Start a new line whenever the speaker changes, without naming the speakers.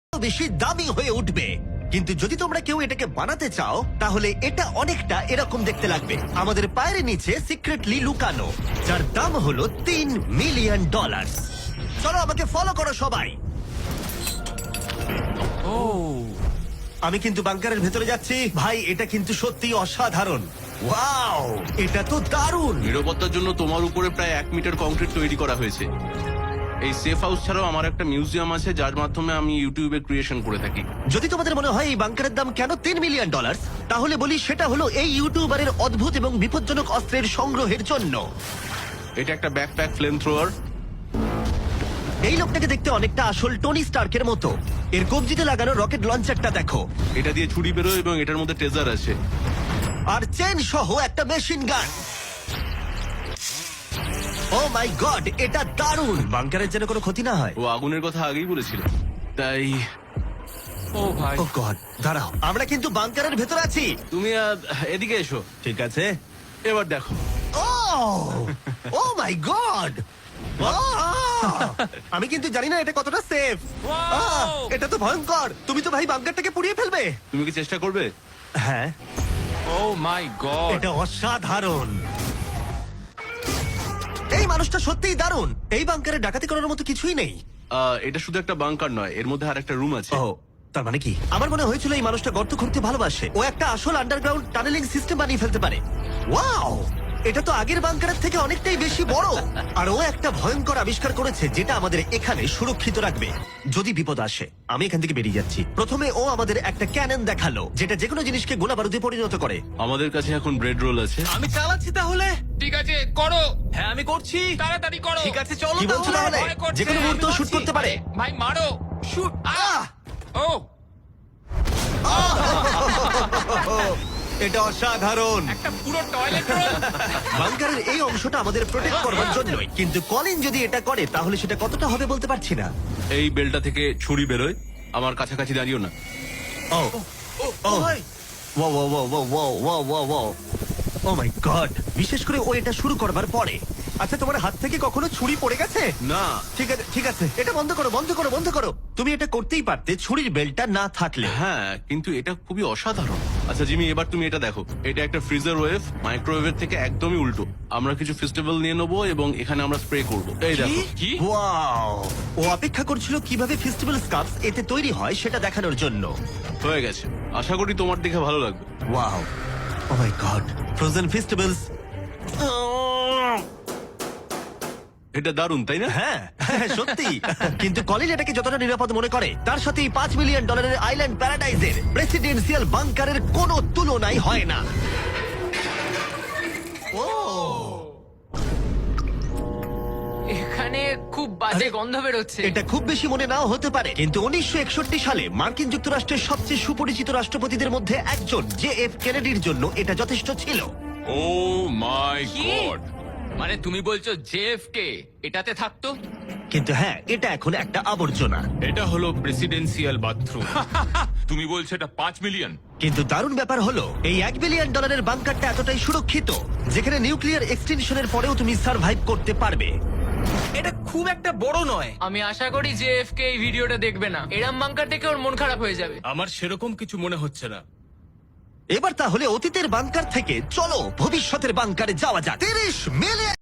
বেশি দামি হয়ে উঠবে। কিন্তু যদি তোমরা কেউ এটাকে বানাতে চাও তাহলে এটা অনেকটা এরকম দেখতে লাগবে। আমাদের পায়ের নিচে সিক্রেটলি লুকানো, যার দাম হলো $3 মিলিয়ন। চলো আমাকে ফলো করো সবাই। আমি কিন্তু বাংকারের ভেতরে যাচ্ছি। ভাই এটা কিন্তু সত্যি অসাধারণ। ওয়াও, এটা তো দারুণ।
নিরাপত্তার জন্য তোমার উপরে প্রায় 1 মিটার কংক্রিট তৈরি করা হয়েছে। এই সেফ হাউস ছাড়াও আমার একটা মিউজিয়াম আছে যার মাধ্যমে আমি ইউটিউবে ক্রিয়েশন করে থাকি।
যদি তোমাদের মনে হয় এই বাংকারের দাম কেন $3 মিলিয়ন, তাহলে বলি সেটা হলো এই ইউটিউবারের অদ্ভুত এবং বিপজ্জনক অস্ত্রের সংগ্রহের জন্য।
এটা একটা ব্যাকপ্যাক ফ্লেম থ্রোয়ার।
এই লোকটাকে দেখতে অনেকটা আসল টনি স্টার্কের মতো। এর কবজিতে লাগানো রকেট লঞ্চারটা দেখো,
এটা দিয়ে ছুরি বেরোয় এবং এটার মধ্যে ট্রেজার আছে।
আর চেন সহ একটা machine gun. O my god, এটা দারুণ। বাংকারের যেন কোনো ক্ষতি না হয়।
ও আগুনের কথা আগেই বলেছিল, তাই
ও ভাই,
ও গড, দাঁড়াও, আমরা কিন্তু বাংকারের ভেতর আছি।
তুমি এদিকে এসো।
ঠিক আছে।
এবার দেখো।
ও মাই গড, আমি কিন্তু জানি না এটা কতটা সেফ। এটা তো ভয়ঙ্কর। তুমি তো ভাই বাংকারটাকে পুড়িয়ে ফেলবে।
তুমি কি চেষ্টা করবে?
হ্যাঁ,
ও মাই গড,
এটা অসাধারণ। এই মানুষটা সত্যিই দারুণ। এই বাংকারে ডাকাতি করার মতো কিছুই নেই।
এটা শুধু একটা বাংকার নয়, এর মধ্যে আর একটা রুম আছে।
ও, তার মানে কি? আমার মনে হয়েছিল এই মানুষটা গর্ত খুঁড়তে ভালোবাসে। ও একটা আসল আন্ডারগ্রাউন্ড টানেলিং সিস্টেম বানিয়ে ফেলতে পারে। ওয়াও, এটা তো আগের বাংকারের থেকে অনেকটাই বেশি বড়। আর ও একটা ভয়ঙ্কর আবিষ্কার করেছে যেটা আমাদের এখানে সুরক্ষিত রাখবে যদি বিপদ আসে। আমি এখান থেকে বেরিয়ে যাচ্ছি। প্রথমে ও আমাদের একটা ক্যানন দেখালো যেটা যেকোনো জিনিসকে গোলা বারুদে পরিণত করে।
আমাদের কাছে এখন ব্রেড রোল আছে।
আমি চালাচ্ছি তাহলে। ঠিক আছে, করো। হ্যাঁ, আমি করছি। তাড়াতাড়ি করো। ঠিক আছে, চলো।
কি বলছো তাহলে?
ভয় করছে,
যেকোনো মুহূর্তে
আমি
শুট
মারছি।
করতে পারে।
ভাই মারো, শুট। ও,
এটা অসাধারণ।
একটা পুরো টয়লেট রোল।
বাংকারের এই অংশটা আমাদের প্রোটেক্ট করবার জন্যই, কিন্তু কলিন যদি এটা করে তাহলে সেটা কতটা হবে বলতে পারছি না।
এই বেলটা থেকে ছুরি বেরোয়। আমার কাছাকাছি দাঁড়িও না।
ও ও ভাই, ও ও ও ও ও ও ও ও ও মাই গড, বিশেষ করে ও এটা শুরু করবার পরে। আচ্ছা, তোমার হাত থেকে কখনো ছুরি পড়ে গেছে?
না।
ঠিক আছে, ঠিক আছে, এটা বন্ধ করো, বন্ধ করো, বন্ধ করো। তুমি এটা করতেই পারতে ছুরির বেল্টটা না থাকলে।
হ্যাঁ, কিন্তু এটা খুবই অসাধারণ। আচ্ছা জিমি, এবার তুমি এটা দেখো। এটা একটা ফ্রিজার ওয়েভ, মাইক্রোওয়েভের থেকে একদমই উল্টো। আমরা কিছু ফেস্টিভ্যাল নিয়ে নেবো এবং এখানে আমরা স্প্রে করবো। এই দেখো।
কি?
ওয়াও, ও অপেক্ষা করছিল কিভাবে ফেস্টিভ্যাল স্কার্ফস এতে তৈরি হয় সেটা দেখানোর জন্য।
হয়ে গেছে। আশা করি তোমার দেখে ভালো লাগবে।
Wow, oh my god, frozen festivals.
এটা দারুণ, তাই না?
হ্যাঁ হ্যাঁ, সত্যি। কিন্তু কলিন এটাকে যতটা নিরাপদ মনে করে তার সাথে এই $5 মিলিয়ন আইল্যান্ড প্যারাডাইজের প্রেসিডেন্সিয়াল বাংকারের কোনো তুলনাই হয় না। ও,
এখানে খুব বাজে গন্ধ বেরোচ্ছে।
এটা খুব বেশি মনে নাও হতে পারে, কিন্তু 1961 সালে মার্কিন যুক্তরাষ্ট্রের সবচেয়ে সুপরিচিত রাষ্ট্রপতিদের মধ্যে একজন JF কেনেডির জন্য এটা যথেষ্ট ছিল।
ও মাই
কি?
গড, মানে তুমি বলছো জেএফকে এটাতে থাকতো?
কিন্তু হ্যাঁ, এটা এখন একটা আবর্জনা।
এটা হলো প্রেসিডেন্সিয়াল বাথরুম। তুমি বলছো এটা 5 মিলিয়ন?
কিন্তু দারুণ ব্যাপার হলো এই $1 বিলিয়ন বাংকারটা এতটাই সুরক্ষিত যেখানে নিউক্লিয়ার এক্সটেনশনের পরেও তুমি সার্ভাইভ করতে পারবে।
এটা খুব একটা বড় নয়।
আমি আশা করি যে এফকে এই ভিডিওটা দেখবে না। এরম বাঙ্কার দেখে ওর মন খারাপ হয়ে যাবে।
আমার সেরকম কিছু মনে হচ্ছে না।
এবার তাহলে অতীতের বাংকার থেকে চলো ভবিষ্যতের বাংকারে যাওয়া যাক। $30 মিলিয়ন